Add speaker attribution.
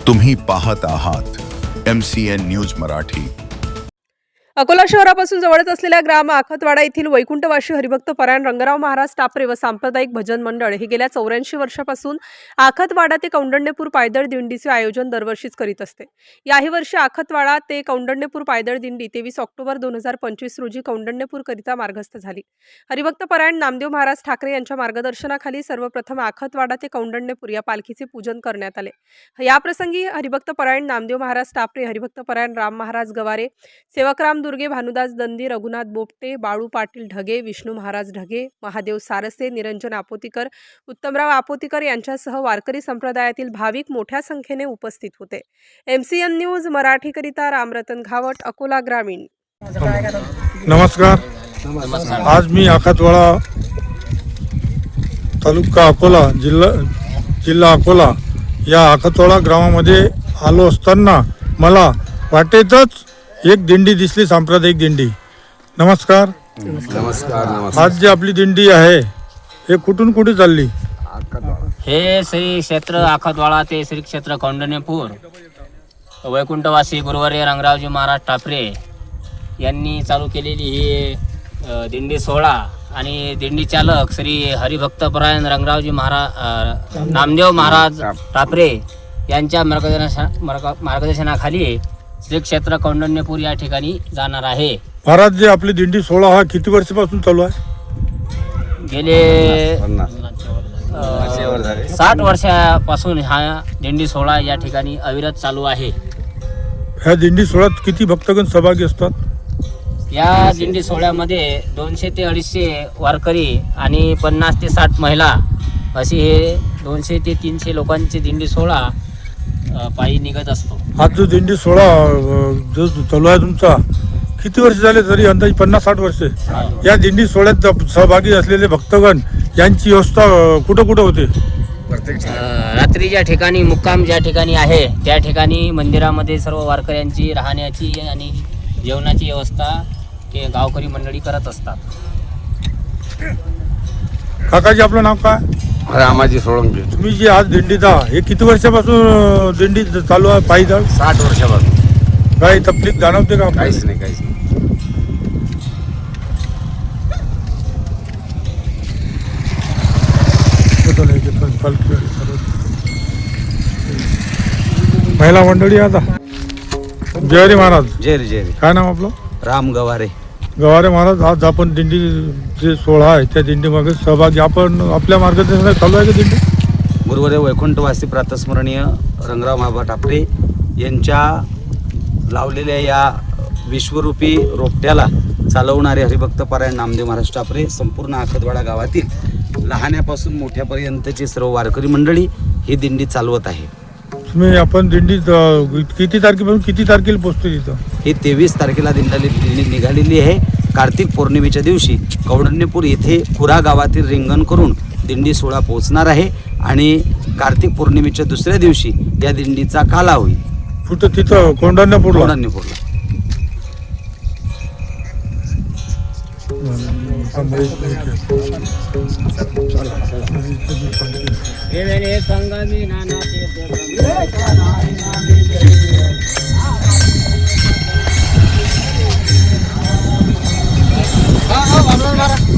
Speaker 1: तुम्ही पाहत आहात MCN न्यूज मराठी।
Speaker 2: अकोला शहरापासून जवळच असलेल्या ग्राम आखतवाडा येथील वैकुंठवासी हरिभक्त परायण रंगराव महाराज टापरे व सांप्रदायिक भजन मंडळ हे गेल्या 84 वर्षापासून आखतवाडा ते कौंडण्यपूर पायदळ दिंडीचे आयोजन दरवर्षीच करीत असते। याही वर्षी आखतवाडा ते कौंडण्यपूर पायदळ दिंडी 23 ऑक्टोबर 2025 रोजी कौंडण्यपूर करिता मार्गस्थ झाली। हरिभक्त परायण नामदेव महाराज ठाकरे यांच्या मार्गदर्शनाखाली सर्वप्रथम आखतवाडा ते कौंडण्यपूर या पालखीचे पूजन करण्यात आले। याप्रसंगी हरिभक्त परायण नामदेव महाराज टापरे, हरिभक्त परायण राम महाराज गवारे, सेवकराम दुर्गे, भानुदास दंदी, रघुनाथ बोपटे, बाळू पाटील ढगे, विष्णू महाराज ढगे, महादेव सारसे, निरंजन आपोतीकर, उत्तमराव आपोतीकर यांच्यासह वारकरी संप्रदायातील भाविक मोठ्या संख्येने उपस्थित होते। MCN न्यूज मराठीकरिता रामरतन घावट, अकोला ग्रामीण।
Speaker 3: नमस्कार। आज मी आखतवाडा तालुका अकोला जिल्हा अकोला या आखतवाडा ग्रामामध्ये आलो असताना मला वाटेतच एक दिंडी दिसली, सांप्रदायिक दिंडी। नमस्कार। आज जी आपली दिंडी आहे हे कुठून कुठे चालली?
Speaker 4: हे श्री क्षेत्र आखतवाडा ते श्री क्षेत्र कौंडण्यपूर वैकुंठवासी गुरुवर्य रंगरावजी महाराज टापरे यांनी चालू केलेली ही दिंडी सोहळा आणि दिंडी चालक श्री हरिभक्त परायण रंगरावजी महाराज नामदेव महाराज टापरे यांच्या मार्गदर्शनाखाली श्री क्षेत्र कौंडण्यपूर या ठिकाणी जाणार आहे।
Speaker 3: महाराज जी आपली दिंडी सोहळा हा किती वर्षापासून चालू आहे?
Speaker 4: गेले 60 वर्षापासून हा दिंडी सोहळा या ठिकाणी अविरत चालू आहे।
Speaker 3: ह्या दिंडी सोहळ्यात किती भक्तगण सहभागी असतात?
Speaker 4: या दिंडी सोहळ्यामध्ये 200 ते 250 वारकरी आणि 50 ते 60 महिला अशी हे 200 ते 300 लोकांची दिंडी सोहळा पायी निघत असतो।
Speaker 3: हा जो दिंडी सोहळा जो चालू आहे तुमचा किती वर्ष झाले? तरी अंदाजे 50-60 वर्षे। या दिंडी सोहळ्यात सहभागी असलेले भक्तगण यांची व्यवस्था कुठं कुठं होते?
Speaker 4: रात्री ज्या ठिकाणी मुक्काम ज्या ठिकाणी आहे त्या ठिकाणी मंदिरामध्ये सर्व वारकऱ्यांची राहण्याची आणि जेवणाची व्यवस्था ते गावकरी मंडळी करत असतात।
Speaker 3: काकाजी आपलं नाव काय?
Speaker 5: रामाजी सोळंकी।
Speaker 3: तुम्ही जी आज दिंडीचा हे किती वर्षापासून दिंडी चालू आहे पायीदळ?
Speaker 5: 60 वर्षापासून।
Speaker 3: काही तकलीफ जाणवते का?
Speaker 5: काहीच नाही।
Speaker 3: महिला मंडळी आता जय हरी महाराज।
Speaker 5: जय रे जय रे।
Speaker 3: काय नाव आपलं?
Speaker 5: राम गवारे।
Speaker 3: गवारे महाराज, आज आपण दिंडी जे सोहळा आहे त्या दिंडीमागे सहभागी आपण आपल्या मार्गदर्शनात चालू आहे का दिंडी?
Speaker 5: गुरुवर्य वैकुंठवासी प्रातस्मरणीय रंगराव महाराज टापरे यांच्या लावलेल्या या विश्वरूपी रोपट्याला चालवणारे हरिभक्त परायण नामदेव महाराज टापरे संपूर्ण आखतवाडा गावातील लहान्यापासून मोठ्यापर्यंतची सर्व वारकरी मंडळी ही दिंडी चालवत आहे।
Speaker 3: तुम्ही आपण दिंडी किती तारखेपासून किती तारखेला पोहोचतो तिथं?
Speaker 5: ही 23 तारखेला दिंडी निघालेली आहे। कार्तिक पौर्णिमेच्या दिवशी कौंडण्यपूर येथे खुरा गावातील रिंगण करून दिंडी सोहळा पोहोचणार आहे आणि कार्तिक पौर्णिमेच्या दुसऱ्या दिवशी या दिंडीचा काला होईल।
Speaker 3: कुठं? तिथं कौंडण्यपूरला?
Speaker 5: कौंडण्यपूरला।
Speaker 4: संगमी नाना